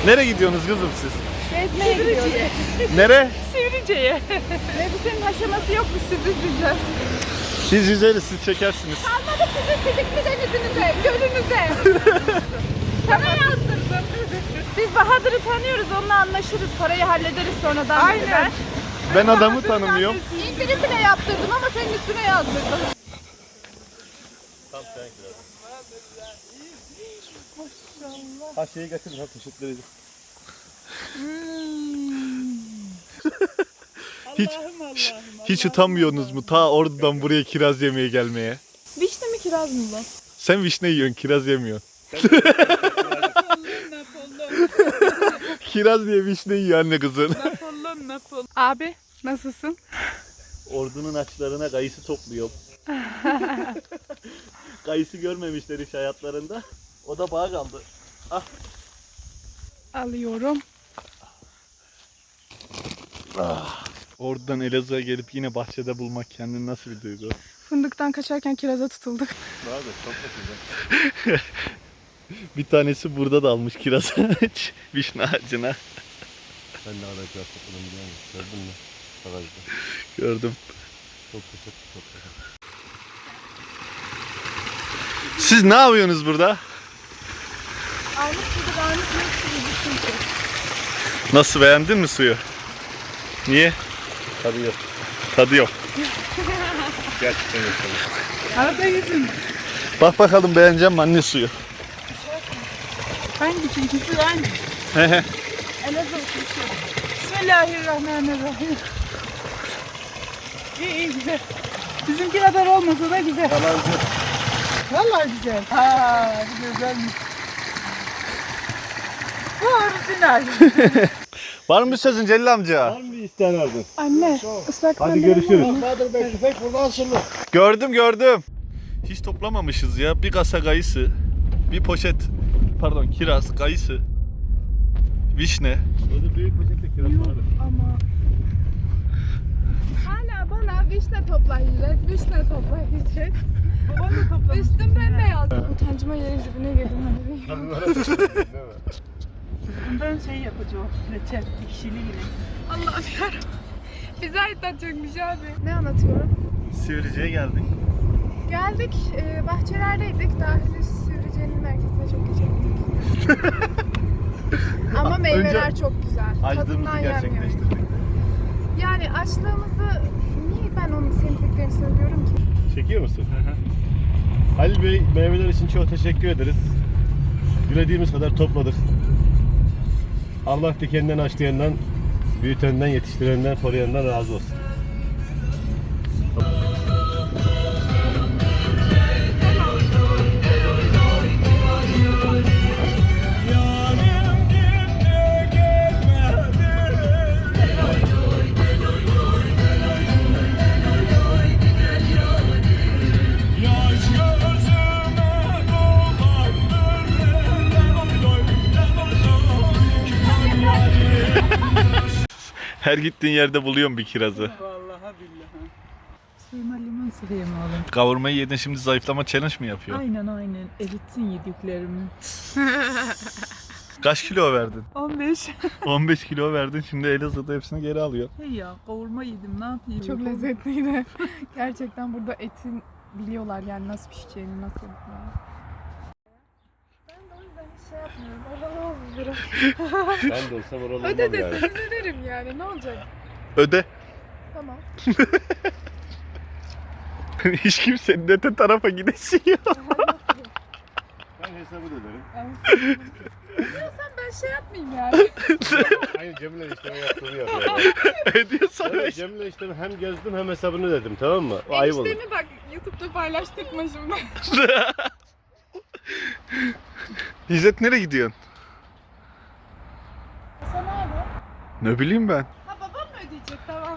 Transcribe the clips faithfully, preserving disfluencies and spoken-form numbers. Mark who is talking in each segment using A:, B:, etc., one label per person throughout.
A: Nereye gidiyorsunuz kızım siz?
B: Gezmeye gidiyoruz.
A: Nere?
B: Sivrice'ye. Elbisenin aşaması yok mu? Siz izleyeceğiz.
A: Siz yüzeriz, siz çekersiniz.
B: Kalmadı sizin sidikli denizinize, gölünüze. Sana yazdırdım. Biz Bahadır'ı tanıyoruz, onunla anlaşırız. Parayı hallederiz sonradan. Aynen.
A: Ben adamı tanımıyorum.
B: İndirim bile yaptırdım ama senin üstüne yazdırdım.
A: Tam sen biraz. Ha şeyi getir, ha teşekkür ederim. hiç,
B: Allah'ım, Allah'ım,
A: hiç utanmıyorsunuz mu ta oradan buraya kiraz yemeye gelmeye?
B: Vişne mi kiraz mı bu?
A: Sen vişne yiyorsun, kiraz yemiyorsun. Kiraz diye vişne yiyor anne kızın.
B: Napolyon, Napolyon. Abi nasılsın?
A: Ordunun açlarına kayısı topluyorum. Kayısı görmemişler hiç hayatlarında. O da bağ kaldı. Ah.
B: Alıyorum.
A: Ah. Oradan Elazığ'a gelip yine bahçede bulmak kendini nasıl bir duygu?
B: Fındıktan kaçarken kiraza tutulduk.
A: Daha da çok güzel. Bir tanesi burada da almış kiraz ağaç, vişne ağacına.
C: Ben de ara kiraz topladım biliyor musun? Gördün mü? Bagajda.
A: Gördüm.
C: Çok güzel topladım.
A: Siz ne yapıyorsunuz burada?
B: Almış gibi varmış gibi çünkü.
A: Nasıl, beğendin mi suyu? Niye?
C: Tabii yok.
A: Tadı yok.
C: Gerçekten yok.
B: Arada yüzüm.
A: Bak bakalım beğeneceğim mi anne suyu?
B: Hangi çünküsü hangi?
A: Hehe.
B: Elazığ uçuşu. Bismillahirrahmanirrahim. İyi iyi güzel. Bizimki kadar olmasa da güzel.
C: Yalancı.
B: Vallahi güzel. Ha, bu güzelmiş. Bu orijinal.
A: Var mı bir sözün Celil amca?
C: Var mı bir isteyen ardın?
B: Anne, ıslak
C: Hadi
B: mendilin
C: görüşürüz.
B: var mı?
C: Bahadır Bey tüfek burada asılı.
A: Gördüm gördüm. Hiç toplamamışız ya. Bir kasa kayısı, bir poşet, pardon kiraz, kayısı, vişne.
C: Orada büyük poşette kiraz var.
B: Ama hala bana vişne toplayacak, vişne toplayacak. Baban da toplamış. Üstüm bembeyaz. Utancıma yerin dibine girdim.
D: Bundan şey yapacağım, reçel, ekşili yine.
B: Allah'ım yarabbim. Bize anlatacakmış abi. Ne anlatıyorum?
A: Sivrice'ye geldik.
B: Geldik, e, bahçelerdeydik. Daha henüz Sivrice'nin merkezine çok geçemedik. Ama meyveler
A: Önce
B: çok güzel.
A: Açlığımızı
B: Tadından yenmiyor.
A: gerçekleştirdik.
B: Yani açlığımızı, niye ben onun sevdiklerini söylüyorum ki?
C: Çekiyor musun? Halil Bey meyveler için çok teşekkür ederiz. Dilediğimiz kadar topladık. Allah dikenden açlayandan, büyütenden, yetiştirenden, koruyandan razı olsun.
A: Her gittiğin yerde buluyorum bir kirazı.
D: Vallahi billahi. Suyuma limon sıkayım oğlum.
A: Kavurmayı yedin, şimdi zayıflama challenge mi yapıyor?
D: Aynen aynen. Eritsin yediklerimi.
A: Kaç kilo verdin?
D: on beş.
A: on beş kilo verdin, şimdi Elazığ'da hepsini geri alıyor.
D: Hey ya kavurma yedim ne yapayım?
B: Çok lezzetliydi. Gerçekten burada etin biliyorlar yani nasıl pişeceğini, nasıl yapacağını. Ben de o yüzden hiç şey yapmıyorum. Oralı olsun biraz.
C: Ben de olsam oralı
B: Öde
C: olmam yani.
B: deseniz öderim yani. Ne olacak?
A: Öde.
B: Tamam.
A: Hiç kimsenin öte tarafa gidesi yok.
C: Ben hesabı da öderim.
B: Diyorsan ben şey yapmayayım yani.
C: Aynı Cemile işlemi yaptığını yapıyor.
A: Ödüyorsan
C: Evet,
A: öde.
C: Cemile işlemi hem gezdim hem hesabını ödedim, tamam mı? O ayıp olur.
B: Eniştemi bak YouTube'da paylaştırma şimdi.
A: İzzet nereye gidiyorsun?
B: Hasan abi.
A: Ne bileyim ben.
B: Ha babam mı ödeyecek? Tamam.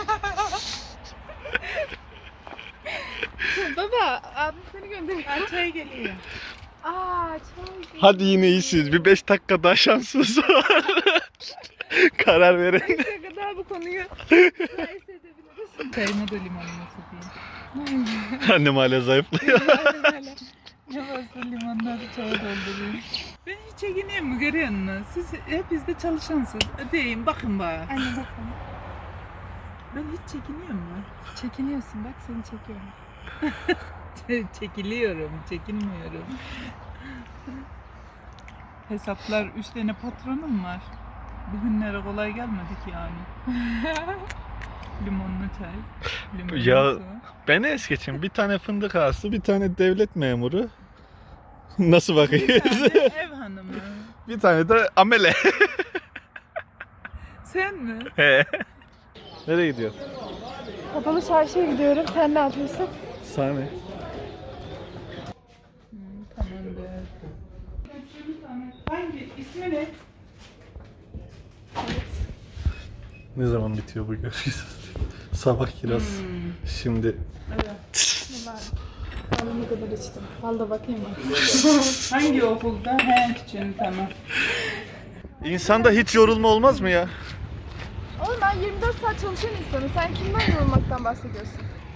B: Baba abim seni gönderiyor.
D: Çay geliyor.
B: Aa çok iyi.
A: Hadi yine iyisiniz. Bir beş dakika daha şansınız var. Karar verin.
B: Ne kadar bu konuyu mukayese edebiliriz.
D: Çayıma da limonunu sıkayım.
A: Annem hala zayıflıyor.
B: Aynen öyle.
D: Ne varsa limonları çaya doldurayım. Ben hiç çekiniyorum mu görüyor musun? Siz hepiniz de çalışansınız. Deyin bakın bana.
B: Anne bakalım.
D: Ben hiç çekiniyorum mu?
B: Çekiniyorsun bak seni çekiyorum.
D: Çekiliyorum, çekinmiyorum. Hesaplar üç tane patronum var. Bugünlere kolay gelmedik yani. Limonlu çay, limonlu
A: Ya-
D: su.
A: Beni es geçin. Bir tane fındık ağası, bir tane devlet memuru. Nasıl
D: Bir
A: bakayım?
D: tane ev hanımı.
A: Bir tane de amele.
D: Sen mi?
A: He. Nereye gidiyor?
B: Kapalı çarşıya gidiyorum. Sen ne yapıyorsun?
A: Sahne.
D: Tamamdır. Hangi? İsmi ne?
A: Ne zaman bitiyor bu görüşürüz? Sabah kiraz. Şimdi
B: Kahve ne kadar içtim. Al da bakayım mı?
D: Hangi okulda? He, küçüğün tamam.
A: insanda hiç yorulma olmaz mı ya?
B: Oğlum ben yirmi dört saat çalışan insanım. Sen kimden yorulmaktan bahsediyorsun?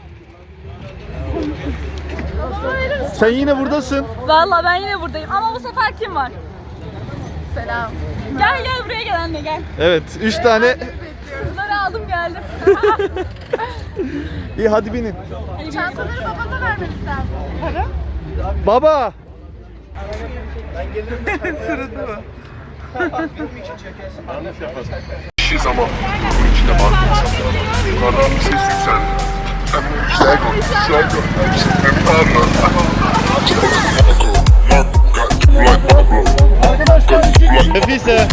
B: Babama verir misin?
A: Sen yine buradasın.
E: Vallahi ben yine buradayım ama bu sefer kim var?
B: Selam.
E: Gel gel buraya gel anne gel.
A: Evet, üç tane.
E: Kızları aldım geldim.
A: İyi hadi binin.
B: Çantaları babana vermemiz lazım. Para?
A: Baba.
D: Sırada mı?
F: Şiz ama içinde bakmıyorsan yukarıdan bir ses yükseldi. Şego, Şego, hepsini parla.
A: Nefise.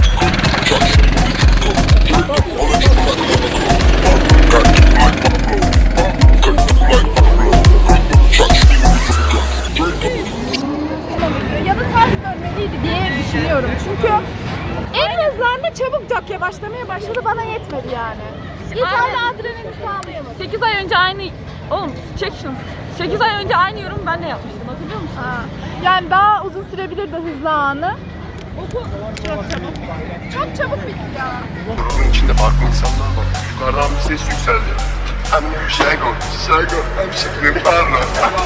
B: Ya da ters dönmeliydi diye düşünüyorum. Çünkü en hızlarında çabucak yavaşlamaya başladı. Bana yetmedi yani. Biz hala adrenalin sağlayamadık.
E: sekiz ay önce aynı... Oğlum çek şunu. sekiz ay önce aynı yorum ben de yapmıştım hatırlıyor musun?
B: Ha. Yani daha uzun sürebilirdi hızlı anı. Okul çok çabuk bitti. Çok çabuk bitti ya.
F: İçinde farklı insanlar var. Yukarıdan bir ses yükseldi. Şego, Şego, hepsini parla.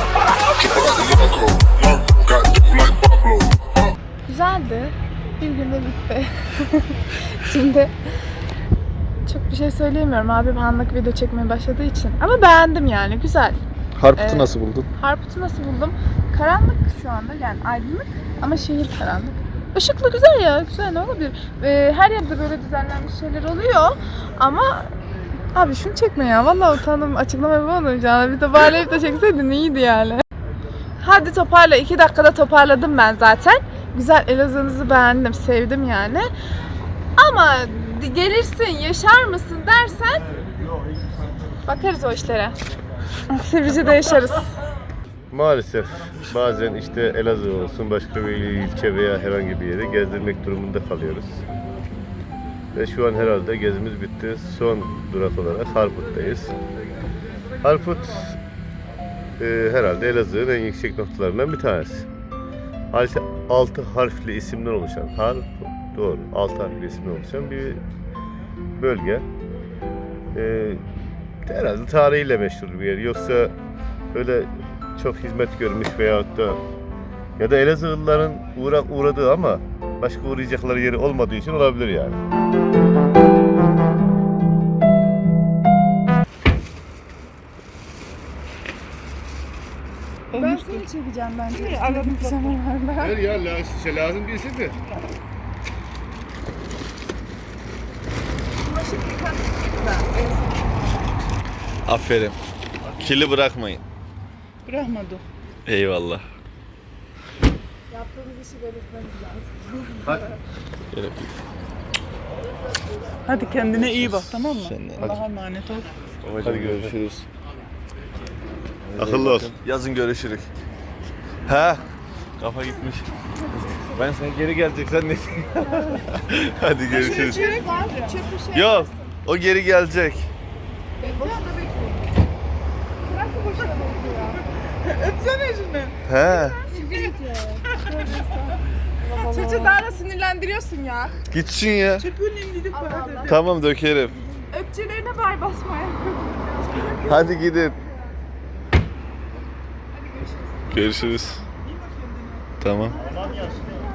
B: Güzeldi. Bir günde bitti. Şimdi çok bir şey söyleyemiyorum. Abim anlık video çekmeye başladığı için. Ama beğendim yani. Güzel.
A: Harput'u
B: Ee,
A: nasıl buldun?
B: Harput'u nasıl buldum? Karanlık şu anda yani aydınlık ama şehir karanlık. Işıklı güzel ya, güzel ne olabilir? Ee, her yerde böyle düzenlenmiş şeyler oluyor ama abi şunu çekme ya, vallahi utandım açıklama yapamayacağım. Bir toparlayıp da çekseydin iyiydi yani. Hadi toparla, iki dakikada toparladım ben zaten. Güzel, Elazığ'ınızı beğendim, sevdim yani. Ama gelirsin, yaşar mısın dersen bakarız o işlere. Sivrice'de yaşarız.
C: Maalesef bazen işte Elazığ olsun başka bir ilçe veya herhangi bir yeri gezdirmek durumunda kalıyoruz. Ve şu an herhalde gezimiz bitti. Son durak olarak Harput'tayız. Harput e, herhalde Elazığ'ın en yüksek noktalarından bir tanesi. Altı, altı harfli isimden oluşan, Harput doğru, altı harfli isimden oluşan bir bölge. E, herhalde tarihiyle meşhur bir yer. Yoksa öyle çok hizmet görmüş veyahut da ya da Elazığlıların uğra uğradığı ama başka uğrayacakları yeri olmadığı için olabilir yani.
B: Ben seni çekeceğim bence.
D: Aradım
B: zamanlarda.
C: Hayır ya lazım, lazım değilse de.
A: Aferin. Kili bırakmayın.
D: Bırakmadı.
A: Eyvallah.
B: Yaptığımız işi belirtmemiz lazım.
A: Gerek.
D: Hadi kendine iyi bak tamam mı?
A: Sen de.
D: Allah'a emanet ol.
A: Hadi görüşürüz. Akıllı ol. Yazın görüşürük. Ha? Kafa gitmiş. Ben sen geri gelecek sen ne? Hadi görüşürüz.
B: Çörek var, çöp bir şey.
A: Yok. O geri gelecek.
B: Boşuna bekliyorum. Nasıl boşuna bekliyor?
D: Öpsene şunu.
A: He.
B: Çocuğu daha da sinirlendiriyorsun ya.
A: Gitsin ya.
D: Çöpünün gidip
B: Allah
D: bana
B: Allah.
A: Tamam dökerim.
B: Öpçülerine bay basmaya.
A: Hadi gidin.
B: Hadi görüşürüz.
A: Görüşürüz. Tamam.
C: Aman ya.